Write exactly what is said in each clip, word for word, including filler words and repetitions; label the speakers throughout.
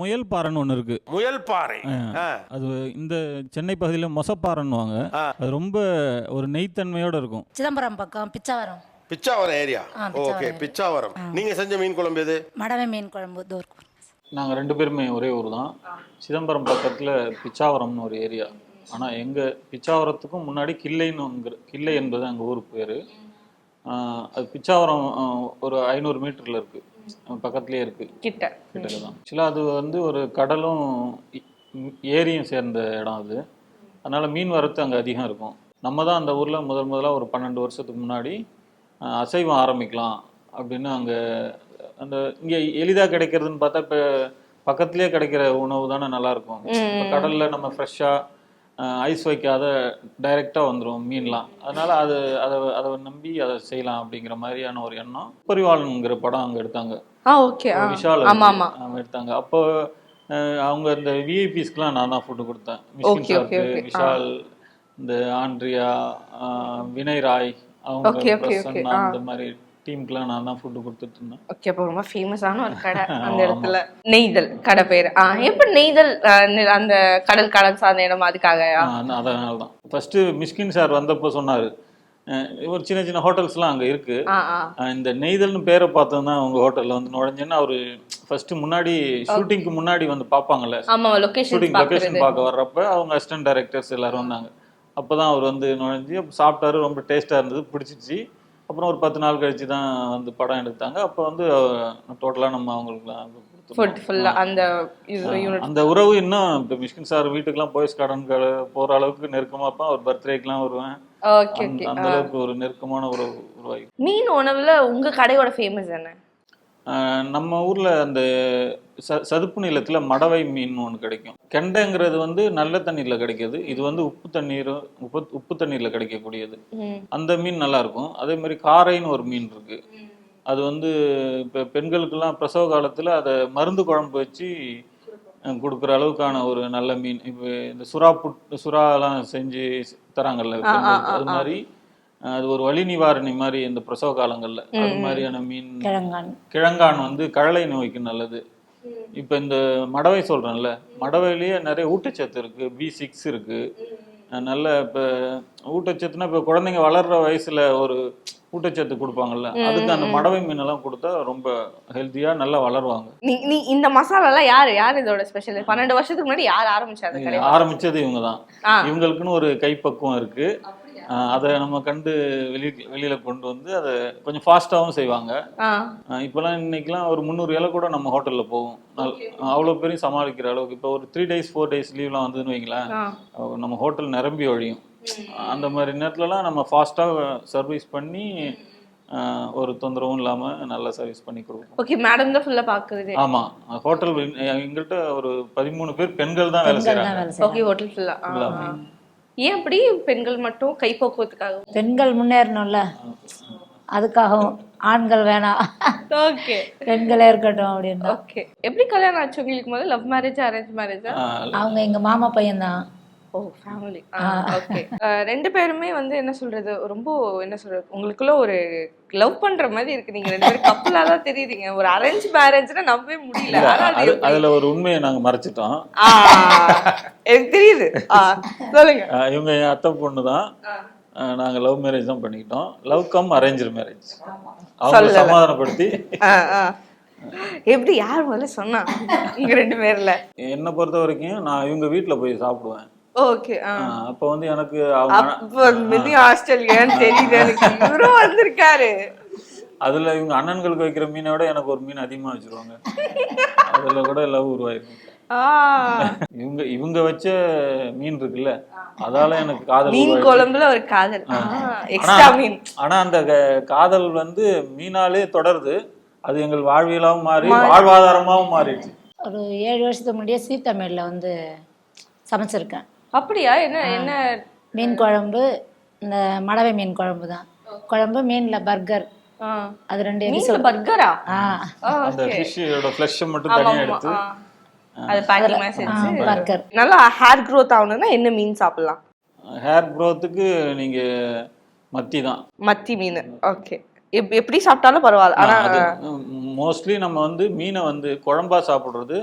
Speaker 1: முயல் பாறைன்னு ஒன்று இருக்கு.
Speaker 2: முயல் பாறை
Speaker 1: அது இந்த சென்னை பகுதியில் மொசப்பாறைன்னுவாங்க. அது ரொம்ப ஒரு நெய்த்தன்மையோட இருக்கும்.
Speaker 3: சிதம்பரம் பக்கம் பிச்சாவரம்.
Speaker 2: பிச்சாவரம் ஏரியா. ஓகே, பிச்சாவரம். நீங்க செஞ்ச மீன் குழம்பு எது?
Speaker 3: மடவை மீன் குழம்பு. தோர்க்கு.
Speaker 4: நாங்கள் ரெண்டு பேருமே ஒரே ஊர் தான். சிதம்பரம் பக்கத்தில் பிச்சாவரம்னு ஒரு ஏரியா. ஆனால் எங்கள் பிச்சாவரத்துக்கும் முன்னாடி கிள்ளைன்னு கிள்ளை என்பது அங்கே ஊர் பேர். அது பிச்சாவரம் ஒரு ஐநூறு மீட்டரில் இருக்குது, பக்கத்துலேயே இருக்குது, கிட்ட கிட்டக்க தான். ஆக்சுவலாக அது வந்து ஒரு கடலும் ஏரியும் சேர்ந்த இடம் அது. அதனால் மீன் வரத்து அங்கே அதிகம் இருக்கும். நம்ம தான் அந்த ஊரில் முதல் முதலாக ஒரு பன்னெண்டு வருஷத்துக்கு முன்னாடி அசைவம் ஆரம்பிக்கலாம் அப்படின்னு அங்கே அந்த இங்கே எளிதாக கிடைக்கிறதுன்னு பார்த்தா இப்போ பக்கத்துலேயே கிடைக்கிற உணவு தானே நல்லாயிருக்கும். இப்போ கடலில் நம்ம ஃப்ரெஷ்ஷாக ஐஸ் வைக்காத டைரெக்டாக வந்துடும் மீன்லாம். அதனால் அது அதை அதை நம்பி அதை செய்யலாம் அப்படிங்கிற மாதிரியான ஒரு எண்ணம். பரிவாளனுங்கிற படம் அங்கே எடுத்தாங்க. விஷால் எடுத்தாங்க. அப்போ அவங்க இந்த விஐபிஸ்க்குலாம் நான் தான் ஃபுட்டு கொடுத்தேன். மிஷ்கின் சாருக்கு, விஷால், இந்த ஆண்ட்ரியா, வினய் ராய், அவங்க பிரசன்னா, அந்த மாதிரி டீமுக்குலாம் நான் தான் ஃபுட்டு கொடுத்துட்டு இருந்தேன்.
Speaker 5: ஓகே, அப்போ ரொம்ப ஃபேமஸான ஒரு கடை அந்த இடத்துல. நெய்தல் கடை பேர். ஆ எப்போ நெய்தல் அந்த கடல் கடல் சார்ந்த இடம் அதுக்காக?
Speaker 4: அதனால தான் ஃபர்ஸ்ட் மிஷ்கின் சார் வந்தப்போ சொன்னார், ஒரு சின்ன சின்ன ஹோட்டல்ஸ்லாம் அங்கே இருக்கு, இந்த நெய்தல்னு பேரை பார்த்தோம்னா அவங்க ஹோட்டலில் வந்து நுழைஞ்சேன்னா அவர் ஃபர்ஸ்ட் முன்னாடி ஷூட்டிங்க்கு முன்னாடி வந்து பார்ப்பாங்கல்ல, ஷூட்டிங் லொக்கேஷன் பார்க்க வர்றப்ப அவங்க அசிஸ்டன்ட் டைரக்டர்ஸ் எல்லாரும் வந்தாங்க. அப்போ தான் அவர் வந்து நுழைஞ்சி சாப்பிட்டாரு, ரொம்ப டேஸ்ட்டாக இருந்தது, பிடிச்சிச்சு. அப்புறம் ஒரு பத்து நாள் கழிச்சு தான் வந்து படம் எடுத்தாங்க. அப்போ வந்து டோட்டலாக நம்ம அவங்களுக்கு
Speaker 5: அந்த
Speaker 4: அந்த உறவு இன்னும் இப்போ மிஷ்கின் சார் வீட்டுக்கெல்லாம் போயஸ் கார்டன் போகிற அளவுக்கு நெருக்கமாக இருப்பேன். ஒரு பர்த்டேக்கெலாம் வருவேன். அந்த அளவுக்கு ஒரு நெருக்கமான உறவு உருவாகி.
Speaker 5: மீன் உணவுல உங்க கடையோட ஃபேமஸ் என்ன?
Speaker 4: நம்ம ஊர்ல அந்த ச சதுப்பு நிலத்துல மடவை மீன் ஒன்று கிடைக்கும். கெண்டைங்கிறது வந்து நல்ல தண்ணீர்ல கிடைக்கிது. இது வந்து உப்பு தண்ணீர் உப்பு உப்பு தண்ணீர்ல கிடைக்கக்கூடியது. அந்த மீன் நல்லா இருக்கும். அதே மாதிரி காரைன்னு ஒரு மீன் இருக்கு. அது வந்து இப்போ பெண்களுக்கெல்லாம் பிரசவ காலத்துல அதை மருந்து குழம்பு வச்சு கொடுக்குற அளவுக்கான ஒரு நல்ல மீன். இப்போ இந்த சுறா புட் சுறாலாம் செஞ்சு தராங்கல்ல, அது மாதிரி அது ஒரு வலி நிவாரணி மாதிரி இந்த பிரசவ காலங்கள்ல அது மாதிரியான மீன். கிழங்கான் வந்து கழலை நோய்க்கு நல்லது. இப்ப இந்த மடவை சொல்றேன்ல, மடவையிலேயே நிறைய ஊட்டச்சத்து இருக்கு. பி சிக்ஸ் இருக்கு. நல்ல இப்ப ஊட்டச்சத்துனா இப்ப குழந்தைங்க வளர்ற வயசுல ஒரு ஊட்டச்சத்து கொடுப்பாங்கல்ல, அதுக்கு அந்த மடவை மீன் எல்லாம் கொடுத்தா ரொம்ப ஹெல்த்தியா நல்லா வளருவாங்க.
Speaker 5: நீ இந்த மசாலா எல்லாம் யாரு யாரு இதோட ஸ்பெஷல்? பன்னெண்டு வருஷத்துக்கு முன்னாடி யார் ஆரம்பிச்சாங்க?
Speaker 4: ஆரம்பிச்சது இவங்க தான். இவங்களுக்குன்னு ஒரு கைப்பக்குவம் இருக்கு. அதை நம்ம கண்டு வெளி வெளியில கொண்டு வந்து அதை கொஞ்சம் ஃபாஸ்டாகவும் செய்வாங்க. இப்போலாம் இன்னைக்கெல்லாம் ஒரு முந்நூறு இலை கூட நம்ம ஹோட்டல்ல போகும். அவ்வளோ பேரையும் சமாளிக்கிற அளவுக்கு. இப்போ ஒரு த்ரீ டேஸ் ஃபோர் டேஸ் லீவ்லாம் வந்ததுன்னு வைங்களேன், நம்ம ஹோட்டல் நிரம்பி ஒழியும். அந்த மாதிரி நேரத்துலலாம் நம்ம ஃபாஸ்ட்டாக சர்வீஸ் பண்ணி ஒரு தொந்தரவும் இல்லாம நல்லா சர்வீஸ் பண்ணி கொடுப்போம்.
Speaker 5: ஓகே, மேடம் தான் ஃபுல்லா பாக்குறது.
Speaker 4: ஆமா, ஹோட்டல் எங்கள்கிட்ட ஒரு பதிமூணு பேர் பெண்கள் தான் வேலை செய்யறாங்க.
Speaker 5: ஓகே, ஹோட்டல் ஃபுல்லா. ஏன் அப்படி? பெண்கள் மட்டும் கைப்பக்குவத்துக்காக?
Speaker 3: பெண்கள் முன்னேறணும்ல, அதுக்காகவும். ஆண்கள் வேணாம், ஓகே பெண்களே இருக்கட்டும் அப்படின்னு.
Speaker 5: ஓகே, எப்படி கல்யாணம் ஆச்சு உங்களுக்கு? முதல்ல லவ் மேரேஜ் அரேஞ்ச் மேரேஜா?
Speaker 3: அவங்க எங்க மாமா பையன் தான்.
Speaker 5: ஓ, ஃபேமிலி. ஓகே, ரெண்டு பேருமே வந்து என்ன சொல்றது, ரொம்ப என்ன சொல்றது, உங்களுக்குள்ள ஒரு லவ் பண்ற மாதிரி இருக்கு. நீங்க ரெண்டு பேரும் கப்பலா தான் தெரியுறீங்க. ஒரு அரேஞ்ச் மேரேஜ்னா நம்பவே முடியல.
Speaker 4: அதுல ஒரு உண்மையை நாங்க மறைச்சிட்டோம்.
Speaker 5: எனக்கு தெரியுது, சொல்லுங்க.
Speaker 4: இவங்க என் அத்தை பொண்ணு தான். நாங்க லவ் மேரேஜ் தான் பண்ணிக்கிட்டோம். Love cum arrange marriage. அவங்க சமாதானப்படுத்தி.
Speaker 5: எப்படி, யார் முதல்ல சொன்னா? இங்க ரெண்டு பேர்ல
Speaker 4: என்னை பொறுத்த வரைக்கும் நான் இவங்க வீட்டுல போய் சாப்பிடுவேன்.
Speaker 5: ஓகே,
Speaker 4: அப்ப வந்து எனக்கு
Speaker 5: ஆஸ்திரேலியான்னு தெரியுது எனக்கு. இவரும் வந்திருக்காரு.
Speaker 4: அதுல இவங்க அண்ணன்களுக்கு வைக்கிற மீனை விட எனக்கு ஒரு மீன் அதிகமா வச்சிருவாங்க. அதுல கூட லவ் உருவாயிருக்கும். இவங்க இவங்க வச்ச மீன் இருக்குல்ல, அதால எனக்கு காதல்.
Speaker 5: மீன் குழம்புல ஒரு காதல், எக்ஸ்ட்ரா மீன்.
Speaker 4: ஆனா அந்த காதல் வந்து மீனாலே தொடருது. அது எங்கள் வாழ்வியலாவும் மாறி வாழ்வாதாரமாவும் மாறிடுச்சு.
Speaker 3: ஒரு ஏழு வருஷத்துக்கு முன்னாடியே சீத்தமிழ்ல வந்து சமைச்சிருக்கேன்.
Speaker 5: அப்படியா? என்ன என்ன
Speaker 3: மீன் குழம்பு, இந்த மடவை மீன் குழம்பு தான். குழம்பு மீன்ல பர்கர், அது ரெண்டு எபிசோட்.
Speaker 5: பர்கரா?
Speaker 4: அந்த ஃபிஷ்ஷோட ஃப்ளஷ் மட்டும் தனியா எடுத்து
Speaker 5: அது பேக்கிங் மாதிரி செஞ்சு
Speaker 3: பர்கர்.
Speaker 5: நல்லா ஹேர் growth ஆகணும்னா என்ன மீன் சாப்பிடலாம்?
Speaker 4: ஹேர் growthக்கு நீங்க மத்தி தான்.
Speaker 5: மத்தி மீன். ஓகே, எப்படி சாப்பிட்டாலும் பரவாயில்ல. ஆனா
Speaker 4: மோஸ்ட்லி நம்ம வந்து மீனை வந்து குழம்பா சாப்பிடுறது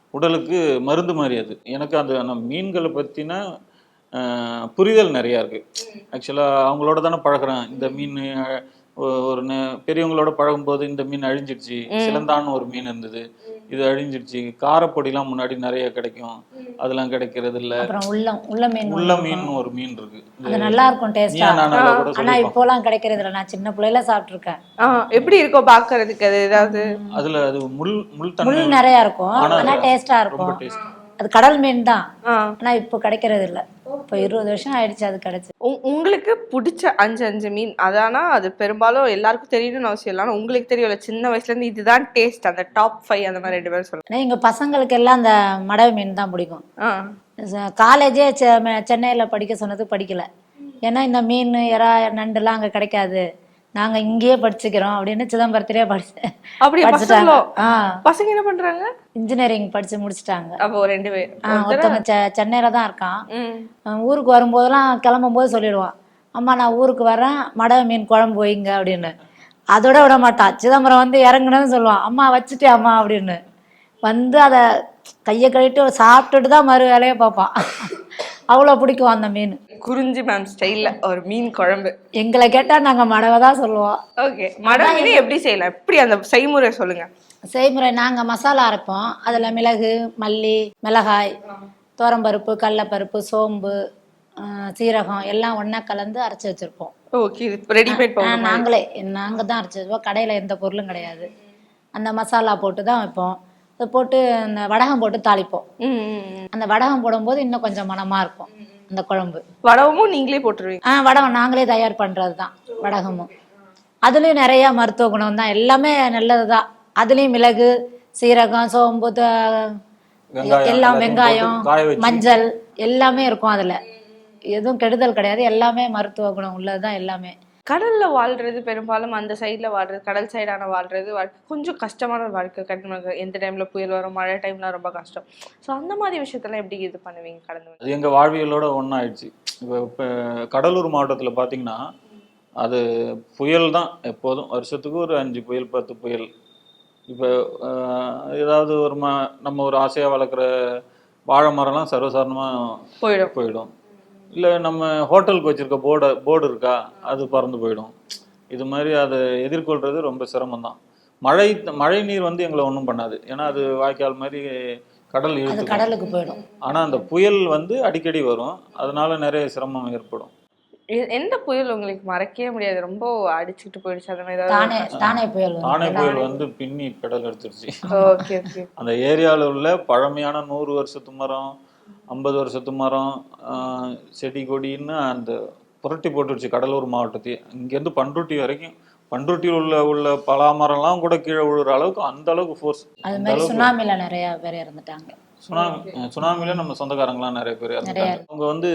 Speaker 4: உடலுக்கு மருந்து மாதிரி அது. எனக்கு அந்த அந்த மீன்களை பற்றின புரிதல் நிறையா இருக்குது. ஆக்சுவலாக அவங்களோட தானே பழகிறேன். இந்த மீன் ஒரு பெரியவங்களோட பழகும்போது இந்த மீன் அழிஞ்சிடுச்சு, சிலந்தான்னு ஒரு மீன் இருந்தது, இது அழிஞ்சிடுச்சு. காரப்பொடிலாம் முன்னாடி நிறைய கிடைக்கும், அதெல்லாம் கிடைக்கிறது இல்ல. உள்ள மீன் ஒரு மீன் இருக்கு,
Speaker 3: அது நல்லா இருக்கும் டேஸ்டா. ஆனா இப்போலாம் கிடைக்கிறது இல்ல. நான் சின்ன பிள்ளையில சாப்பிட்டுருக்கேன்.
Speaker 5: எப்படி இருக்கும் பாக்குறதுக்கு? அது ஏதாவது
Speaker 4: அதுல அது முள் முள்
Speaker 3: முள் நிறைய இருக்கும், ஆனா டேஸ்டா இருக்கும். அது கடல் மீன் தான், ஆனா இப்போ கிடைக்கிறது இல்ல. இப்போ இருபது வருஷம் ஆயிடுச்சு அது கிடைச்சு.
Speaker 5: உங்களுக்கு பிடிச்ச அஞ்சு அஞ்சு மீன் அதானா? அது பெரும்பாலும் எல்லாருக்கும் தெரியணும்னு அவசியம் இல்லை, ஆனால் உங்களுக்கு தெரியல சின்ன வயசுல இருந்து இதுதான் டேஸ்ட், அந்த டாப் ஃபைவ் அந்த மாதிரி ரெண்டு பேரும் சொல்லுங்க.
Speaker 3: எங்க பசங்களுக்கு எல்லாம் அந்த மடவை மீன் தான் பிடிக்கும். காலேஜே சென்னையில படிக்க சொன்னது படிக்கல. ஏன்னா இந்த மீன் எறா நண்டுலாம் அங்க கிடைக்காது, நாங்க இங்கேயே படிச்சுக்கிறோம் அப்படின்னு சிதம்பரத்திலே படிச்சு
Speaker 5: அப்படி படிச்சுட்டாங்க. பசங்க என்ன பண்றாங்க?
Speaker 3: இன்ஜினியரிங் படிச்சு முடிச்சுட்டாங்க.
Speaker 5: அப்போ ரெண்டு பேர்.
Speaker 3: ஒருத்தவங்க சென்னையில தான் இருக்கான். ஊருக்கு வரும்போதெல்லாம் கிளம்பும் போது சொல்லிடுவான், அம்மா நான் ஊருக்கு வரேன், மடவை மீன் குழம்பு வைங்க அப்படின்னு. அதோட விட மாட்டான். சிதம்பரம் வந்து இறங்குனதுன்னு சொல்லுவான், அம்மா வச்சுட்டே அம்மா அப்படின்னு. வந்து அதை கையை கழிட்டு சாப்பிட்டுட்டு தான் மறு வேலையை பார்ப்பான். அவ்வளோ பிடிக்கும் அந்த மீன்.
Speaker 5: குறிஞ்சி மேம் ஸ்டைல்ல ஒரு மீன் குழம்பு.
Speaker 3: எங்களை கேட்டா நாங்க மடவை தான் சொல்லுவோம்.
Speaker 5: ஓகே, மடவை மீன் எப்படி செய்யலாம், எப்படி அந்த செய்முறை சொல்லுங்க.
Speaker 3: செய்முறை நாங்க மசாலா அரைப்போம். அதுல மிளகு, மல்லி, மிளகாய், துவரம்பருப்பு, கடலைப்பருப்பு, சோம்பு, சீரகம் எல்லாம் ஒண்ணா கலந்து அரைச்சி வச்சிருப்போம்.
Speaker 5: ஓகே, ரெடிமேட் பவுடர்
Speaker 3: நாங்களே நாங்க தான் அரைச்சி வச்சுப்போம். கடையில எந்த பொருளும் கிடையாது. அந்த மசாலா போட்டு தான் வைப்போம். அதை போட்டு அந்த வடகம் போட்டு தாளிப்போம். அந்த வடகம் போடும்போது இன்னும் கொஞ்சம் மனமா இருக்கும் அந்த குழம்பு.
Speaker 5: வடகமும் நீங்களே போட்டுருவீங்க?
Speaker 3: ஆஹ் வடகம் நாங்களே தயார் பண்றது தான் வடகமும். அதுலயும் நிறைய மருத்துவ குணம் தான், எல்லாமே நல்லதுதான். அதுலயும் மிளகு, சீரகம், சோம்பு, எல்லாம் வெங்காயம், மஞ்சள் எல்லாமே இருக்கும். அதுல எதுவும் கெடுதல் கிடையாது, எல்லாமே மருத்துவ குணம் உள்ளதுதான் எல்லாமே.
Speaker 5: கடல்ல வாழ்றது பெரும்பாலும் அந்த சைட்ல வாழ்றது, கடல் சைடான வாழ்றது கொஞ்சம் கஷ்டமான வாழ்க்கை. கண்டிப்பாக எந்த டைம்ல புயல் வரும், மழை டைம்ல ரொம்ப கஷ்டம். ஸோ அந்த மாதிரி விஷயத்தெல்லாம் எப்படி இது பண்ணுவீங்க கடந்து?
Speaker 4: அது எங்கள் வாழ்வியலோட ஒன்றாயிடுச்சு. இப்போ இப்போ கடலூர் மாவட்டத்தில் பார்த்தீங்கன்னா அது புயல் தான் எப்போதும். வருஷத்துக்கு ஒரு அஞ்சு புயல் பத்து புயல். இப்போ ஏதாவது ஒரு ம நம்ம ஒரு ஆசையாக வளர்க்குற வாழை மரம்லாம் சர்வசாதாரணமாக
Speaker 5: போயிடும்
Speaker 4: போயிடும் இல்லை நம்ம ஹோட்டலுக்கு வச்சுருக்க போர்டை போர்டு இருக்கா, அது பறந்து போயிடும். இது மாதிரி அதை எதிர்கொள்கிறது ரொம்ப சிரமம்தான். மழை மழை நீர் வந்து எங்களை ஒன்றும் பண்ணாது, ஏன்னா அது வாய்க்கால் மாதிரி கடல் இழுத்து
Speaker 3: கடலுக்கு போயிடும்.
Speaker 4: ஆனால் அந்த புயல் வந்து அடிக்கடி வரும், அதனால நிறைய சிரமம் ஏற்படும்.
Speaker 5: எந்த புயல் உங்களுக்கு மறக்கவே முடியாது, ரொம்ப அடிச்சுட்டு போயிடுச்சு அந்த மாதிரி?
Speaker 3: தானே தானே புயல்
Speaker 4: தானே புயல் வந்து பின்னி கடல் எடுத்துருச்சு.
Speaker 5: Okay okay.
Speaker 4: அந்த ஏரியாவில் உள்ள பழமையான நூறு வருஷத்து மரம், ஐம்பது வருஷத்து மரம், செடி கொடின்னு அந்த புரட்டி போட்டுருச்சு கடலூர் மாவட்டத்தையே. இங்கேருந்து பண்ருட்டி வரைக்கும், பண்ருட்டியில் உள்ள உள்ள பலா மரம்லாம் கூட கீழே விழுற அளவுக்கு அந்த அளவுக்கு ஃபோர்ஸ்.
Speaker 3: அது மாதிரி சுனாமில நிறைய பேர் இறந்துட்டாங்க.
Speaker 4: சுனாமி சுனாமில நம்ம சொந்தக்காரங்களாம் நிறைய பேர் இறந்துட்டாங்க. அவங்க வந்து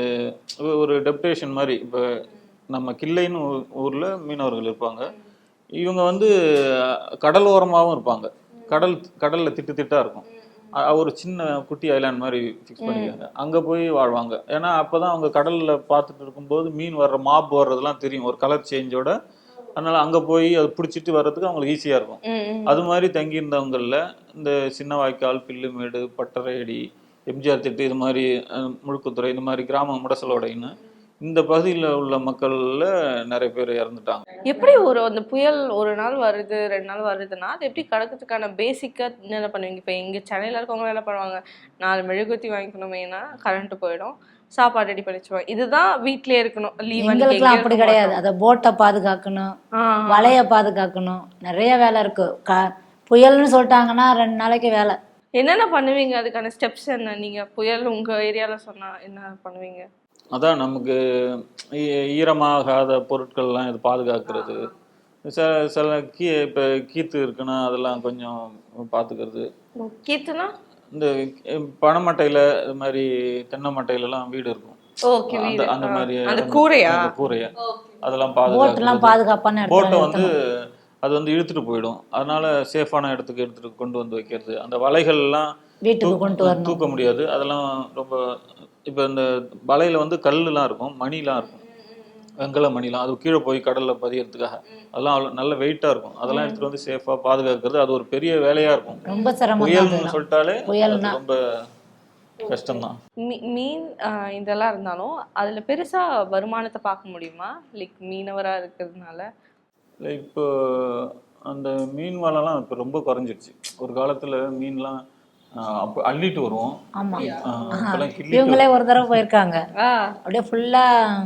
Speaker 4: ஒரு டெப்டேஷன் மாதிரி. இப்போ நம்ம கிள்ளைன்னு ஊரில் மீனவர்கள் இருப்பாங்க, இவங்க வந்து கடல் ஓரமாகவும் இருப்பாங்க. கடல் கடலில் திட்டு திட்டாக இருக்கும். ஒரு சின்ன குட்டி ஐலாண்ட் மாதிரி ஃபிக்ஸ் பண்ணிக்காங்க, அங்கே போய் வாழ்வாங்க. ஏன்னா அப்போ தான் அவங்க கடலில் பார்த்துட்டு இருக்கும்போது மீன் வர்ற மாப் வர்றதுலாம் தெரியும், ஒரு கலர் சேஞ்சோட. அதனால் அங்கே போய் அதை பிடிச்சிட்டு வர்றதுக்கு அவங்களுக்கு ஈஸியாக இருக்கும். அது மாதிரி தங்கியிருந்தவங்களில் இந்த சின்ன வாய்க்கால், பில்லுமேடு, பட்டறையடி, எம்ஜிஆர் திட்டு, இது மாதிரி முழுக்குத்துறை, இந்த மாதிரி கிராம முடசலோடைன்னு இந்த பகுதியில் உள்ள மக்கள்ல நிறைய பேர் இறந்துட்டாங்க.
Speaker 5: எப்படி ஒரு அந்த புயல் ஒரு நாள் வருது ரெண்டு நாள் வருதுன்னா அது எப்படி கடக்கிறதுக்கான பேசிக்காக என்ன பண்ணுவீங்க? இப்போ இங்கே சென்னையில் இருக்கவங்க என்ன பண்ணுவாங்க, நாலு மெழுகுத்தி வாங்கிக்கணுமேனா கரண்ட் போயிடும், சாப்பாடு ரெடி பண்ணி வச்சுருவாங்க, இதுதான் வீட்லயே இருக்கணும்.
Speaker 3: எங்களுக்குலாம் அப்படி கிடையாது. அதை போட்டை பாதுகாக்கணும், வலைய பாதுகாக்கணும், நிறைய வேலை இருக்கு. க புயல்னு சொல்லிட்டாங்கன்னா ரெண்டு நாளைக்கு வேலை.
Speaker 5: என்னென்ன பண்ணுவீங்க? அதுக்கான ஸ்டெப்ஸ் என்ன? நீங்கள் புயல் உங்கள் ஏரியாவில் சொன்னால் என்ன பண்ணுவீங்க?
Speaker 4: அதான் நமக்கு ஈரமாகாத பொருட்கள்லாம் இது பாதுகாக்கிறது. சில சில கீ இப்போ கீத்து இருக்குன்னா அதெல்லாம் கொஞ்சம் பார்த்துக்கிறது.
Speaker 5: கீத்துனா
Speaker 4: இந்த பனைமட்டையில் இது மாதிரி தென்னை மட்டையிலலாம் வீடு இருக்கும். அந்த அந்த மாதிரி
Speaker 5: கூரையா
Speaker 4: கூரையா அதெல்லாம் பாதுகாப்பு
Speaker 3: பாதுகாப்பான
Speaker 4: போட்டை வந்து அது வந்து இழுத்துட்டு போயிடும். அதனால சேஃபான இடத்துக்கு எடுத்துட்டு கொண்டு வந்து வைக்கிறது. அந்த வலைகள்லாம்
Speaker 3: வீட்டுக்கு கொண்டு வரணும்,
Speaker 4: தூக்க முடியாது. அதெல்லாம் ரொம்ப இப்போ இந்த வலையில் வந்து கல்லுலாம் இருக்கும், மணிலாம் இருக்கும். வெங்கல மணிலாம் அது கீழே போய் கடலில் பதியறதுக்காக அதெல்லாம் அவ்வளோ நல்ல வெயிட்டாக இருக்கும். அதெல்லாம் எடுத்துகிட்டு வந்து சேஃபாக பாதுகாக்கிறது அது ஒரு பெரிய வேலையாக இருக்கும்.
Speaker 3: ரொம்ப சிரமம் தான்
Speaker 4: புயல்னு
Speaker 3: அதெல்லாம்.
Speaker 4: சொல்லிட்டாலே
Speaker 3: புயல்னா
Speaker 4: அது ரொம்ப கஷ்டம்தான்.
Speaker 5: மீ மீன் ஆஹ் இதெல்லாம் இருந்தாலும் அதுல பெருசா வருமானத்தை பார்க்க முடியுமா? லைக் மீனவரா இருக்கிறதுனால.
Speaker 4: இல்லை இப்போ அந்த மீன் வலைலாம் இப்போ ரொம்ப குறைஞ்சிருச்சு. ஒரு காலத்தில் மீன்லாம் ஆஹ் அப்போ அள்ளிட்டு வருவோம்.
Speaker 3: ஆமா
Speaker 4: ஆஹ் இப்பெல்லாம் கிள்ளிட்டு
Speaker 3: இவங்களே ஒரு தடவை போயிருக்காங்க,
Speaker 5: ஆ
Speaker 3: அப்படியே ஃபுல்லா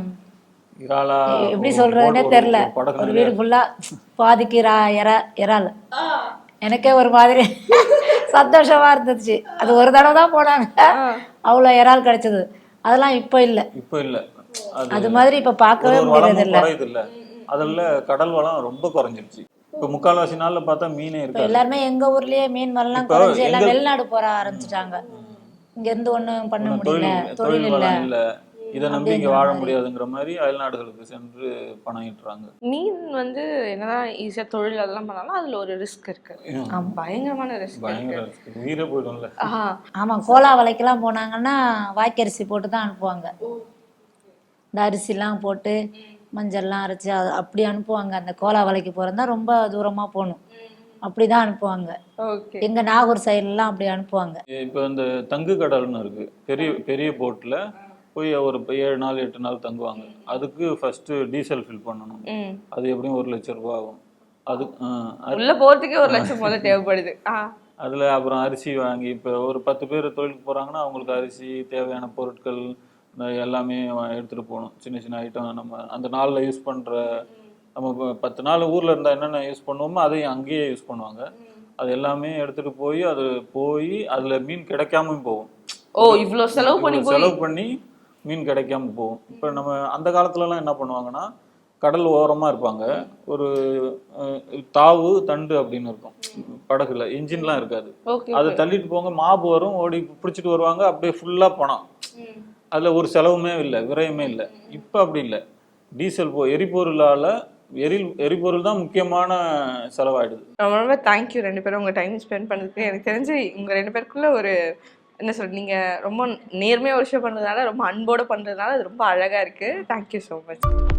Speaker 4: இறாலா
Speaker 3: எப்படி
Speaker 4: ஒரு
Speaker 3: சொல்றதுன்னே
Speaker 4: போட்-
Speaker 3: தெரியல,
Speaker 4: ஒரு படகு
Speaker 3: ஒரு
Speaker 4: நிறைய
Speaker 3: வீடு ஃபுல்லா பாதிக்கு இரா இறா இறால். எனக்கே ஒரு மாதிரி சந்தோஷமா இருந்துச்சு. அது ஒரு தடவை தான் போனாங்க, அவ்வளோ இறால் கிடைச்சது. அதெல்லாம் இப்போ இல்லை.
Speaker 4: இப்போ இல்லை. அது
Speaker 3: அது மாதிரி இப்போ பார்க்கவே
Speaker 4: ஒரு
Speaker 3: முடியறது
Speaker 4: வளமும்
Speaker 3: இல்லை.
Speaker 4: குறையுது இல்லை. அதில் கடல் வளம் ரொம்ப குறைஞ்சிருச்சு. இப்போ முக்கால்வாசி நாள்ல பார்த்தா மீனே
Speaker 3: இப்போ
Speaker 4: இருக்காது.
Speaker 3: எல்லாருமே எங்க ஊர்லயே மீன் வரலாம்
Speaker 4: இப்போ
Speaker 3: குறைஞ்சு எல்லாம்
Speaker 4: எங்க-
Speaker 3: வெளிநாடு போற ஆரம்பிச்சுட்டாங்க. இங்க இருந்து ஒண்ணும் பண்ண
Speaker 4: ஒண்ணும்
Speaker 3: முடியல,
Speaker 4: தொழில்
Speaker 3: தொழில்
Speaker 4: தொழில்
Speaker 3: இல்ல
Speaker 4: வளம் இல்லை, இதை நம்பி இங்கே
Speaker 3: அப்படிங்கிற
Speaker 4: வாழ
Speaker 3: மாதிரி.
Speaker 4: முடியாதுங்கிற மாதிரி அயல்நாடுகளுக்கு சென்று பணம் ஈட்டுறாங்க.
Speaker 5: மீன் வந்து என்னதான் ஈஸியா தொழில் அதெல்லாம் பண்ணாலும் அதுல ஒரு ரிஸ்க் இருக்கு, பயங்கரமான ரிஸ்க்
Speaker 4: பயங்கர
Speaker 5: இருக்கு.
Speaker 4: risk. உயிரே போயிடும்ல.
Speaker 5: ஆஹா
Speaker 3: ஆமா, கோலா வலைக்கெல்லாம் போனாங்கன்னா வாய்க்கரிசி போட்டு தான் அனுப்புவாங்க. இந்த அரிசிலாம் போட்டு மஞ்சள்லாம் அரைச்சி அது அப்படி அனுப்புவாங்க. அந்த கோலா வலைக்கு போறதா ரொம்ப தூரமா போகணும், அப்படிதான் அனுப்புவாங்க.
Speaker 5: ஓகே.
Speaker 3: எங்க நாகூர் சைடுலாம் அப்படி அனுப்புவாங்க.
Speaker 4: இப்போ இந்த தங்கு கடல்னு இருக்கு, பெரிய பெரிய போட்டில் போய் ஒரு ஏழு நாள் எட்டு நாள் தங்குவாங்க. அதுக்கு ஃபர்ஸ்ட் டீசல் ஃபில் பண்ணணும்.
Speaker 5: ம்
Speaker 4: அது எப்படியும் ஒரு லட்சம் ரூபாய் ஆகும். அது ஆஹ் அது-
Speaker 5: உள்ள போறதுக்கே ஒரு லட்சம் முதல்ல தேவைப்படுது. ஆ
Speaker 4: அதில் அப்புறம் அரிசி வாங்கி இப்போ ஒரு பத்து பேர் தொழிலுக்கு போகிறாங்கன்னா அவங்களுக்கு அரிசி தேவையான பொருட்கள் இந்த எல்லாமே வா- எடுத்துகிட்டு போகணும். சின்ன சின்ன ஐட்டம் நம்ம அந்த நாளில் யூஸ் பண்ணுற, நம்ம இப்போ பத்து நாள் ஊரில் இருந்தால் என்னென்ன யூஸ் பண்ணுவோமோ அதையும் அங்கேயே யூஸ் பண்ணுவாங்க. அது எல்லாமே எடுத்துகிட்டு போய் அது போய் அதில் மீன் கிடைக்காமயும் போகும்.
Speaker 5: ஓ இவ்ளோ செலவு பண்ணி
Speaker 4: இவ்வளவு
Speaker 5: போய்
Speaker 4: செலவு பண்ணி மீன் கிடைக்காம போகும். இப்போ நம்ம அந்த காலத்துலலாம் என்ன பண்ணுவாங்கன்னா கடல் ஓரமாக இருப்பாங்க, ஒரு அஹ், தாவு தண்டு அப்படின்னு இருக்கும் படகுல, இன்ஜின்லாம் இருக்காது.
Speaker 5: ஓகே.
Speaker 4: அதை தள்ளிட்டு போங்க, மாப்பு வரும், ஓடி பிடிச்சிட்டு வருவாங்க, அப்படியே ஃபுல்லாக பணம். அதில் ஒரு செலவுமே இல்லை, விரயமே இல்லை. இப்போ அப்படி இல்லை, டீசல் போ எரிபொருளால் எரி எரிபொருள் தான் முக்கியமான செலவாயிடுது.
Speaker 5: ரொம்ப ரொம்ப தேங்க்யூ ரெண்டு பேரும் உங்க டைம் ஸ்பெண்ட் பண்ணதுக்கு. எனக்கு தெரிஞ்சு உங்க ரெண்டு பேருக்குள்ள ஒரு என்ன சொல்ற, நீங்க ரொம்ப நேர்மையா ஒரு விஷயம் பண்றதுனால, ரொம்ப அன்போட பண்றதுனால அது ரொம்ப அழகா இருக்கு. Thank you so much.